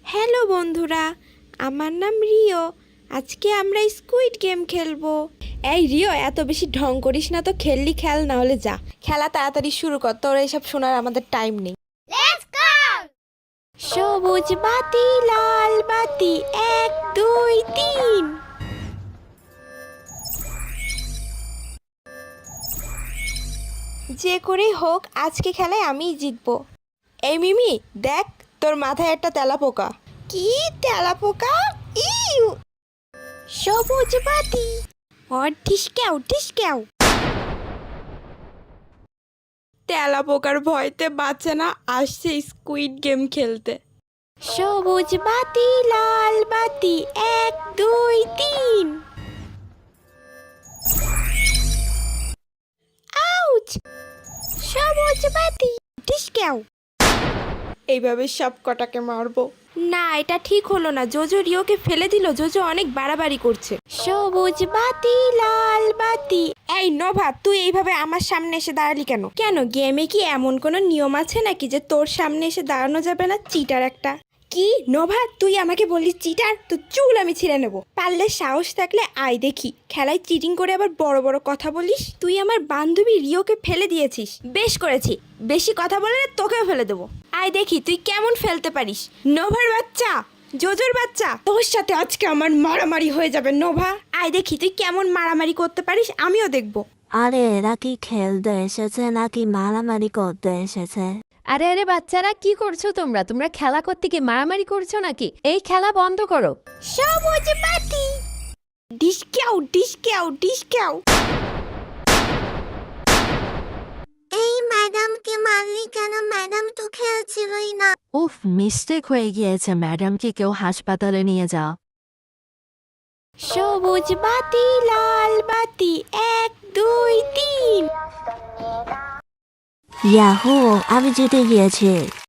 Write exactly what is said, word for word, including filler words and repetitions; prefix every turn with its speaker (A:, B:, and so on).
A: Hello বন্ধুরা, আমার নাম রিও। আজকে আমরা স্কুইড গেম খেলবো। এই রিও, এত বেশি ঢং করিস না তো। খেললি খেল, না হলে যা। খেলা তাড়াতাড়ি শুরু কর, তোর এইসব শোনার আমাদের টাইম নেই। সবুজ বাতি লাল বাতি, এক দুই তিন। যে করেই হোক আজকে খেলায় আমিই জিতবো। এই মিমি, দেখ তোর মাথায় একটা তেলাপোকা। কি তেলাপোকা? ইউ! সবুজ বাতি। ওর ঠিসক্যাও ঠিসক্যাও। তেলাপোকার ভয়তে বাঁচে না, আসছে স্কুইড গেম খেলতে। সবুজ বাতি লাল বাতি, এক দুই তিন। আউচ! সবুজ বাতি, ঠিসক্যাও। এইভাবে সব কটাকে মারবো। না, এটা ঠিক হলো না। জোজো রিওকে ফেলে দিল। জোজো অনেক বাড়াবাড়ি করছে। সবুজ বাতি লাল বাতি। এই নোভা, তুই এইভাবে আমার সামনে এসে দাঁড়ালি কেন? কেন, গেমে কি এমন কোনো নিয়ম আছে নাকি যে তোর সামনে এসে দাঁড়ানো যাবে না? চিটার একটা। কি নোভা, তুই আমাকে বললি চিটার? তো চুল আমি ছিঁড়ে নেবো। পারলে সাহস থাকলে আয় দেখি, খেলায় চিটিং করে আবার বড় বড় কথা বলিস। তুই আমার বান্ধবী রিওকে ফেলে দিয়েছিস। বেশ করেছি, বেশি কথা বলে তোকেও ফেলে দেবো। আয় দেখি তুই কেমন ফেলতে পারিস। নোভার বাচ্চা, জোজোর বাচ্চা, তোর সাথে আজকে আমার মারামারি হয়ে যাবে নোভা। আয় দেখি তুই কেমন মারামারি করতে পারিস, আমিও দেখবো।
B: আরে এরা কি খেলতে এসেছে নাকি মারামারি করতে এসেছে?
C: আরে আরে বাচ্চারা, কি করছো তোমরা? তোমরা খেলা করতে কি মারামারি করছো নাকি? এই খেলা বন্ধ করো।
A: সবুজ বাতি, ডিসক্যাও ডিসক্যাও ডিসক্যাও।
B: এই ম্যাডামকে মারলি কেন? ম্যাডাম তো খেলছিলই না। উফ, মিস্টেক হয়ে গিয়েছে। ম্যাডামকে কেউ হাসপাতালে নিয়ে যাও।
A: সবুজ বাতি লাল বাতি, এক দুই তিন।
B: ইয়াহু, আমি জিতে গিয়েছি।